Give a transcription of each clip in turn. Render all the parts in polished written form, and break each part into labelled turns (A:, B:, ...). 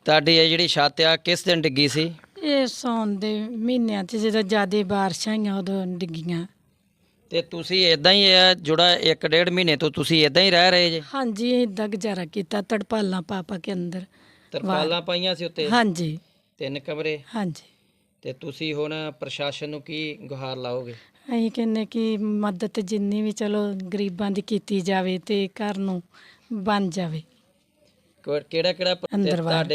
A: ਤੁਹਾਡੀ ਇਹ ਜਿਹੜੀ ਛੱਤ ਆ ਕਿਸ ਦਿਨ ਡਿੱਗੀ ਸੀ?
B: ਇਹ ਸਾਉਣ ਦੇ ਮਹੀਨਿਆਂ 'ਚ ਜਦੋਂ ਜ਼ਿਆਦਾ ਬਾਰਿਸ਼ਾਂ ਆਈਆਂ ਉਦੋਂ ਡਿੱਗੀਆਂ।
A: ਤੇ ਤੁਸੀਂ ਇਦਾਂ ਹੀ ਆ ਜਿਹੜਾ 1.5 ਮਹੀਨੇ ਤੋਂ ਤੁਸੀਂ ਇਦਾਂ ਹੀ ਰਹਿ ਰਹੇ ਜੇ?
B: ਹਾਂਜੀ ਇਦਾਂ ਗੁਜ਼ਾਰਾ ਕੀਤਾ ਤੜਪਾਲਾਂ ਪਾ ਪਾ ਕੇ ਅੰਦਰ।
A: ਤਰਪਾਲਾਂ ਪਾਈਆਂ ਸੀ ਉੱਤੇ?
B: ਹਾਂਜੀ
A: 3 ਕਮਰੇ।
B: ਹਾਂਜੀ।
A: ਤੇ ਤੁਸੀਂ ਹੁਣ ਪ੍ਰਸ਼ਾਸਨ ਨੂੰ ਕੀ ਗੁਹਾਰ ਲਾਓਗੇ?
B: ਅਸੀਂ ਕਹਿੰਦੇ ਕਿ ਮਦਦ ਜਿੰਨੀ ਵੀ ਚਲੋ ਗਰੀਬਾਂ ਦੀ ਕੀਤੀ ਜਾਵੇ ਤੇ ਘਰ ਨੂੰ ਬਣ ਜਾਵੇ।
A: ਕਿਹੜਾ ਕਿਹੜਾ
B: ਅੰਦਰ ਬਾਹਰ।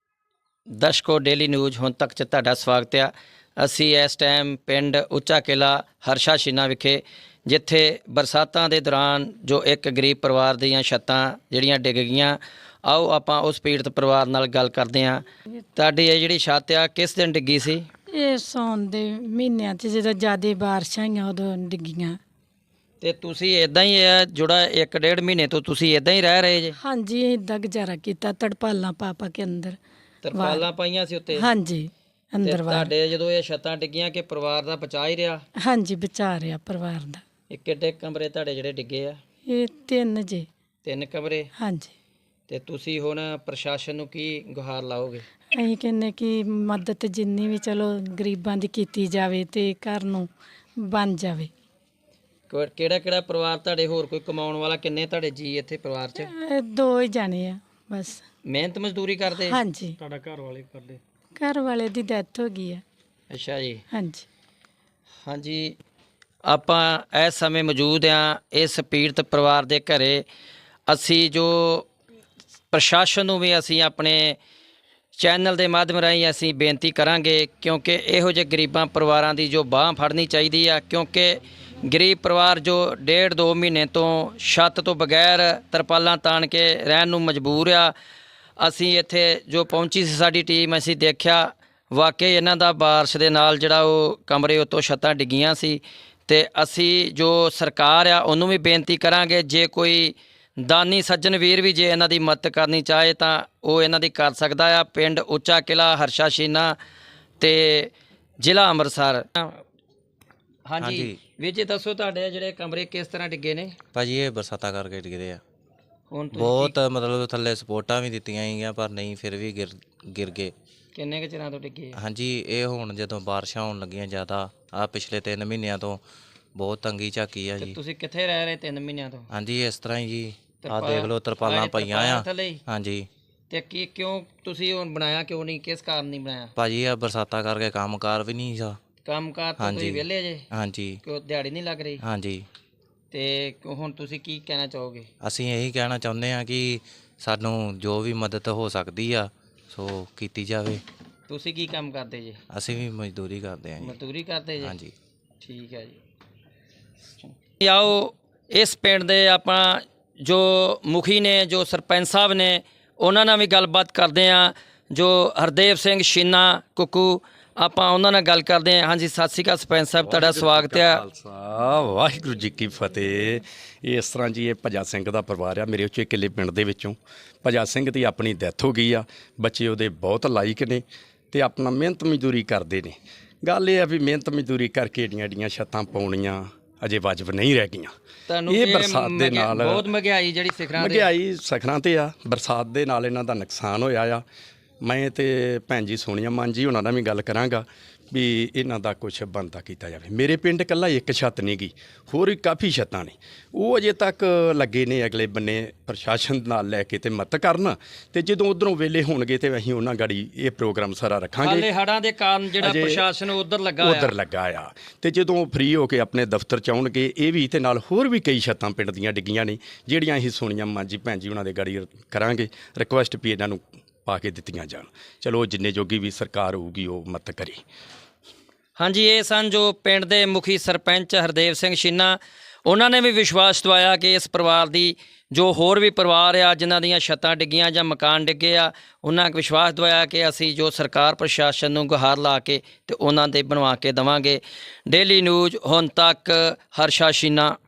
A: ਦਰਸ਼ਕੋ ਡੇਲੀ ਨਿਊਜ਼ ਹੁਣ ਤੱਕ 'ਚ ਤੁਹਾਡਾ ਸਵਾਗਤ ਆ। ਅਸੀਂ ਇਸ ਟਾਈਮ ਪਿੰਡ ਉੱਚਾ ਕਿਲਾ ਹਰਸ਼ਾ ਸ਼ੀਨਾ ਵਿਖੇ, ਜਿੱਥੇ ਬਰਸਾਤਾਂ ਦੇ ਦੌਰਾਨ ਜੋ ਇੱਕ ਗਰੀਬ ਪਰਿਵਾਰ ਦੀਆਂ ਛੱਤਾਂ ਜਿਹੜੀਆਂ ਡਿੱਗ ਗਈਆਂ, ਆਓ ਆਪਾਂ ਉਸ ਪੀੜਤ ਪਰਿਵਾਰ ਨਾਲ ਗੱਲ ਕਰਦੇ ਹਾਂ। ਤੁਹਾਡੀ ਇਹ ਜਿਹੜੀ ਛੱਤ ਆ ਕਿਸ ਦਿਨ ਡਿੱਗੀ ਸੀ?
B: ਇਹ ਸਾਉਣ ਦੇ ਮਹੀਨਿਆਂ 'ਚ ਜਦੋਂ ਜ਼ਿਆਦਾ ਬਾਰਿਸ਼ਾਂ ਆਈਆਂ ਉਦੋਂ ਡਿੱਗੀਆਂ।
A: ਤੇ ਤੁਸੀਂ ਇਦਾਂ ਹੀ ਆ ਜਿਹੜਾ 1.5 ਮਹੀਨੇ ਤੋਂ ਤੁਸੀਂ ਇਦਾਂ ਹੀ ਰਹਿ ਰਹੇ ਜੇ?
B: ਹਾਂਜੀ ਇਦਾਂ ਗੁਜ਼ਾਰਾ ਕੀਤਾ ਤੜਪਾਲਾਂ ਪਾ ਪਾ ਕੇ ਅੰਦਰ।
A: ਤਰਪਾਲਾਂ ਪਾਈਆਂ ਸੀ ਉੱਤੇ?
B: ਹਾਂਜੀ ਅੰਦਰ ਬਾਹਰ।
A: ਤੁਹਾਡੇ ਜਦੋਂ ਇਹ ਛੱਤਾਂ ਡਿੱਗੀਆਂ ਕਿ ਪਰਿਵਾਰ ਦਾ ਬਚਾ ਹੀ ਰਿਹਾ?
B: ਹਾਂਜੀ ਬਚਾ ਰਿਹਾ ਪਰਿਵਾਰ ਦਾ।
A: ਇਹ ਕਿੱਡੇ ਕਮਰੇ ਤੁਹਾਡੇ ਜਿਹੜੇ ਡਿੱਗੇ ਆ?
B: ਇਹ 3 ਜੇ।
A: 3 ਕਮਰੇ।
B: ਹਾਂਜੀ।
A: ਤੇ ਤੁਸੀਂ ਹੁਣ ਪ੍ਰਸ਼ਾਸਨ ਨੂੰ ਕੀ ਗੁਹਾਰ ਲਾਓਗੇ?
B: ਅਸੀਂ ਕਹਿੰਦੇ ਕਿ ਮਦਦ ਜਿੰਨੀ ਵੀ ਚਲੋ ਗਰੀਬਾਂ ਦੀ ਕੀਤੀ ਜਾਵੇ ਤੇ ਘਰ ਨੂੰ ਬਣ ਜਾਵੇ।
A: ਕਿਹੜਾ ਕਿਹੜਾ ਪਰਿਵਾਰ ਤੁਹਾਡੇ, ਹੋਰ ਕੋਈ ਕਮਾਉਣ ਵਾਲਾ? ਕਿੰਨੇ ਤੁਹਾਡੇ ਜੀ ਇੱਥੇ ਪਰਿਵਾਰ 'ਚ?
B: 2 ਹੀ ਜਾਣੇ ਆ ਬਸ।
A: ਮਿਹਨਤ ਮਜ਼ਦੂਰੀ ਕਰਦੇ?
B: ਹਾਂਜੀ।
A: ਤੁਹਾਡਾ ਘਰ ਵਾਲੇ ਕਰਦੇ?
B: ਘਰ ਵਾਲੇ ਦੀ ਡੈਥ ਹੋ ਗਈ ਆ।
A: ਅੱਛਾ ਜੀ।
B: ਹਾਂਜੀ।
A: ਹਾਂਜੀ, ਆਪਾਂ ਇਸ ਸਮੇਂ ਮੌਜੂਦ ਹਾਂ ਇਸ ਪੀੜਤ ਪਰਿਵਾਰ ਦੇ ਘਰੇ। ਅਸੀਂ ਜੋ ਪ੍ਰਸ਼ਾਸਨ ਨੂੰ ਵੀ ਅਸੀਂ ਆਪਣੇ ਚੈਨਲ ਦੇ ਮਾਧਿਅਮ ਰਾਹੀਂ ਅਸੀਂ ਬੇਨਤੀ ਕਰਾਂਗੇ, ਕਿਉਂਕਿ ਇਹੋ ਜਿਹੇ ਗਰੀਬਾਂ ਪਰਿਵਾਰਾਂ ਦੀ ਜੋ ਬਾਂਹ ਫੜਨੀ ਚਾਹੀਦੀ ਆ, ਕਿਉਂਕਿ ਗਰੀਬ ਪਰਿਵਾਰ ਜੋ 1.5-2 ਮਹੀਨੇ ਤੋਂ ਛੱਤ ਤੋਂ ਬਗੈਰ ਤਰਪਾਲਾਂ ਤਾਣ ਕੇ ਰਹਿਣ ਨੂੰ ਮਜਬੂਰ ਆ। ਅਸੀਂ ਇੱਥੇ ਜੋ ਪਹੁੰਚੀ ਸੀ ਸਾਡੀ ਟੀਮ, ਅਸੀਂ ਦੇਖਿਆ ਵਾਕਈ ਇਹਨਾਂ ਦਾ ਬਾਰਿਸ਼ ਦੇ ਨਾਲ ਜਿਹੜਾ ਉਹ ਕਮਰੇ ਉੱਤੋਂ ਛੱਤਾਂ ਡਿੱਗੀਆਂ ਸੀ। ਤੇ ਅਸੀਂ ਜੋ ਸਰਕਾਰ ਆ ਉਹਨੂੰ ਵੀ ਬੇਨਤੀ ਕਰਾਂਗੇ, ਜੇ ਕੋਈ ਦਾਨੀ ਸੱਜਣ ਵੀਰ ਵੀ ਜੇ ਇਹਨਾਂ ਦੀ ਮਦਦ ਕਰਨੀ ਚਾਹੇ ਤਾਂ ਉਹ ਇਹਨਾਂ ਦੀ ਕਰ ਸਕਦਾ ਆ। ਪਿੰਡ ਉੱਚਾ ਕਿਲਾ ਹਰਸ਼ਾ ਸ਼ੀਨਾ ਤੇ ਜ਼ਿਲ੍ਹਾ ਅੰਮ੍ਰਿਤਸਰ। ਹਾਂਜੀ ਵੀਰ ਜੀ ਦੱਸੋ, ਤੁਹਾਡੇ ਜਿਹੜੇ ਕਮਰੇ ਕਿਸ ਤਰ੍ਹਾਂ ਡਿੱਗੇ ਨੇ?
C: ਭਾਜੀ ਇਹ ਬਰਸਾਤਾਂ ਕਰਕੇ ਡਿੱਗਦੇ ਆ।
A: ਹੁਣ
C: ਬਹੁਤ ਮਤਲਬ ਥੱਲੇ ਸਪੋਰਟਾਂ ਵੀ ਦਿੱਤੀਆਂ ਗਈਆਂ ਪਰ ਨਹੀਂ, ਫਿਰ ਵੀ ਗਿਰ ਗਏ।
A: ਕਿੰਨੇ ਕੁ ਚਿਰਾਂ ਤੋਂ ਡਿੱਗੇ?
C: ਹਾਂਜੀ ਇਹ ਹੁਣ ਜਦੋਂ ਬਾਰਿਸ਼ਾਂ ਹੋਣ ਲੱਗੀਆਂ ਜ਼ਿਆਦਾ, ਆ ਪਿਛਲੇ 3 ਮਹੀਨਿਆਂ ਤੋਂ ਬਹੁਤ ਤੰਗੀ ਝਾਕੀ ਆ ਜੀ।
A: ਤੁਸੀਂ ਕਿੱਥੇ ਰਹਿ ਰਹੇ 3 ਮਹੀਨਿਆਂ ਤੋਂ?
C: ਹਾਂਜੀ ਇਸ ਤਰ੍ਹਾਂ ਹੀ ਜੀ, ਆ ਦੇਖ ਲਓ ਤਰਪਾਲਾਂ ਪਈਆਂ ਆ। ਹਾਂਜੀ।
A: ਤੇ ਕਿਉਂ ਤੁਸੀਂ ਹੁਣ ਬਣਾਇਆ ਕਿਉਂ ਨਹੀਂ? ਕਿਸ ਕਾਰਨ ਨਹੀਂ ਬਣਾਇਆ?
C: ਭਾਜੀ ਆ ਬਰਸਾਤਾਂ ਕਰਕੇ ਕੰਮਕਾਰ ਵੀ ਨਹੀਂ ਸੀ।
A: ਕੰਮਕਾਰ ਤੋਂ ਤੁਸੀਂ ਵਿਹਲੇ ਜੇ?
C: ਹਾਂਜੀ।
A: ਕਿਉਂ ਦਿਹਾੜੀ ਨਹੀਂ ਲੱਗ ਰਹੀ?
C: ਹਾਂਜੀ।
A: ਤੇ ਹੁਣ ਤੁਸੀਂ ਕੀ ਕਹਿਣਾ ਚਾਹੋਗੇ?
C: ਅਸੀਂ ਇਹੀ ਕਹਿਣਾ ਚਾਹੁੰਦੇ ਹਾਂ ਕਿ ਸਾਨੂੰ ਜੋ ਵੀ ਮਦਦ ਹੋ ਸਕਦੀ ਆ ਸੋ ਕੀਤੀ ਜਾਵੇ।
A: ਤੁਸੀਂ ਕੀ ਕੰਮ ਕਰਦੇ ਜੇ?
C: ਅਸੀਂ ਵੀ ਮਜ਼ਦੂਰੀ ਕਰਦੇ ਹਾਂ ਜੀ।
A: ਮਜ਼ਦੂਰੀ ਕਰਦੇ ਜੇ?
C: ਹਾਂਜੀ।
A: ਠੀਕ ਹੈ ਜੀ। ਆਓ ਇਸ ਪਿੰਡ ਦੇ ਆਪਾਂ ਜੋ ਮੁਖੀ ਨੇ, ਜੋ ਸਰਪੰਚ ਸਾਹਿਬ ਨੇ, ਉਹਨਾਂ ਨਾਲ ਵੀ ਗੱਲਬਾਤ ਕਰਦੇ ਹਾਂ। ਜੋ ਹਰਦੇਵ ਸਿੰਘ ਸ਼ੀਨਾ ਕੁੱਕੂ, ਆਪਾਂ ਉਹਨਾਂ ਨਾਲ ਗੱਲ ਕਰਦੇ ਹਾਂ। ਹਾਂਜੀ ਸਤਿ ਸ਼੍ਰੀ ਅਕਾਲ ਸਰਪੰਚ ਸਾਹਿਬ, ਤੁਹਾਡਾ ਸਵਾਗਤ ਹੈ।
D: ਖਾਲਸਾ ਵਾਹਿਗੁਰੂ ਜੀ ਕੀ ਫਤਿਹ। ਇਸ ਤਰ੍ਹਾਂ ਜੀ ਇਹ ਭਜਾ ਸਿੰਘ ਦਾ ਪਰਿਵਾਰ ਆ ਮੇਰੇ ਉੱਚੇ ਕਿਲੇ ਪਿੰਡ ਦੇ ਵਿੱਚੋਂ। ਭਜਾ ਸਿੰਘ ਦੀ ਆਪਣੀ ਡੈਥ ਹੋ ਗਈ ਆ। ਬੱਚੇ ਉਹਦੇ ਬਹੁਤ ਲਾਇਕ ਨੇ ਤੇ ਆਪਣਾ ਮਿਹਨਤ ਮਜ਼ਦੂਰੀ ਕਰਦੇ ਨੇ। ਗੱਲ ਇਹ ਆ ਵੀ ਮਿਹਨਤ ਮਜ਼ਦੂਰੀ ਕਰਕੇ ਏਡੀਆਂ ਛੱਤਾਂ ਪਾਉਣੀਆਂ ਅਜੇ ਵਾਜਬ ਨਹੀਂ ਰਹਿ ਗਈਆਂ। ਇਹ ਬਰਸਾਤ ਦੇ ਨਾਲ
A: ਬਹੁਤ ਮਹਿੰਗਾਈ ਜਿਹੜੀ
D: ਮਹਿੰਗਾਈ ਸਿਖਰਾਂ ਤੇ ਆ, ਬਰਸਾਤ ਦੇ ਨਾਲ ਇਹਨਾਂ ਦਾ ਨੁਕਸਾਨ ਹੋਇਆ ਆ। ਮੈਂ ਤੇ ਭੈਣ ਜੀ ਸੋਨੀਆ ਮਾਨ ਜੀ ਉਹਨਾਂ ਨਾਲ ਵੀ ਗੱਲ ਕਰਾਂਗਾ ਵੀ ਇਹਨਾਂ ਦਾ ਕੁਛ ਬਣਦਾ ਕੀਤਾ ਜਾਵੇ। ਮੇਰੇ ਪਿੰਡ ਇਕੱਲਾ ਇੱਕ ਛੱਤ ਨਹੀਂ ਗਈ, ਹੋਰ ਵੀ ਕਾਫੀ ਛੱਤਾਂ ਨੇ, ਉਹ ਅਜੇ ਤੱਕ ਲੱਗੇ ਨੇ ਅਗਲੇ ਬੰਨੇ ਪ੍ਰਸ਼ਾਸਨ ਨਾਲ ਲੈ ਕੇ ਤੇ ਮਦਦ ਕਰਨ। ਤੇ ਜਦੋਂ ਉਧਰੋਂ ਵੇਲੇ ਹੋਣਗੇ ਤੇ ਅਸੀਂ ਉਹਨਾਂ ਗਾੜੀ ਇਹ ਪ੍ਰੋਗਰਾਮ ਸਾਰਾ ਰੱਖਾਂਗੇ।
A: ਹਾਲੇ ਹੜ੍ਹਾਂ ਦੇ ਕਾਰਨ ਜਿਹੜਾ ਪ੍ਰਸ਼ਾਸਨ ਉਧਰ ਲੱਗਾ
D: ਆ ਤੇ ਜਦੋਂ ਫ੍ਰੀ ਹੋ ਕੇ ਆਪਣੇ ਦਫ਼ਤਰ ਚ ਆਉਣਗੇ ਇਹ ਵੀ ਤੇ ਨਾਲ ਹੋਰ ਵੀ ਕਈ ਛੱਤਾਂ ਪਿੰਡ ਦੀਆਂ ਡਿੱਗੀਆਂ ਨੇ ਜਿਹੜੀਆਂ ਅਸੀਂ ਸੋਨੀਆ ਮਾਨ ਜੀ ਭੈਣ ਜੀ ਉਹਨਾਂ ਦੇ ਗਾੜੀ ਕਰਾਂਗੇ ਰਿਕੁਐਸਟ ਵੀ ਇਹਨਾਂ ਨੂੰ ਪਾ ਕੇ ਦਿੱਤੀਆਂ ਜਾਣ। ਚਲੋ ਜਿੰਨੇ ਜੋਗੀ ਵੀ ਸਰਕਾਰ ਹੋਊਗੀ ਉਹ ਮਦਦ ਕਰੇ।
A: ਹਾਂਜੀ ਇਹ ਸਨ ਜੋ ਪਿੰਡ ਦੇ ਮੁਖੀ ਸਰਪੰਚ ਹਰਦੇਵ ਸਿੰਘ ਸ਼ੀਨਾ। ਉਹਨਾਂ ਨੇ ਵੀ ਵਿਸ਼ਵਾਸ ਦਵਾਇਆ ਕਿ ਇਸ ਪਰਿਵਾਰ ਦੀ ਜੋ ਹੋਰ ਵੀ ਪਰਿਵਾਰ ਆ ਜਿਨ੍ਹਾਂ ਦੀਆਂ ਛੱਤਾਂ ਡਿੱਗੀਆਂ ਜਾਂ ਮਕਾਨ ਡਿੱਗੇ ਆ, ਉਹਨਾਂ ਵਿਸ਼ਵਾਸ ਦਵਾਇਆ ਕਿ ਅਸੀਂ ਜੋ ਸਰਕਾਰ ਪ੍ਰਸ਼ਾਸਨ ਨੂੰ ਗੁਹਾਰ ਲਾ ਕੇ ਤੇ ਉਹਨਾਂ ਦੇ ਬਣਵਾ ਕੇ ਦੇਵਾਂਗੇ। ਡੇਲੀ ਨਿਊਜ਼ ਹੁਣ ਤੱਕ ਹਰਸ਼ਾ ਸ਼ੀਨਾ।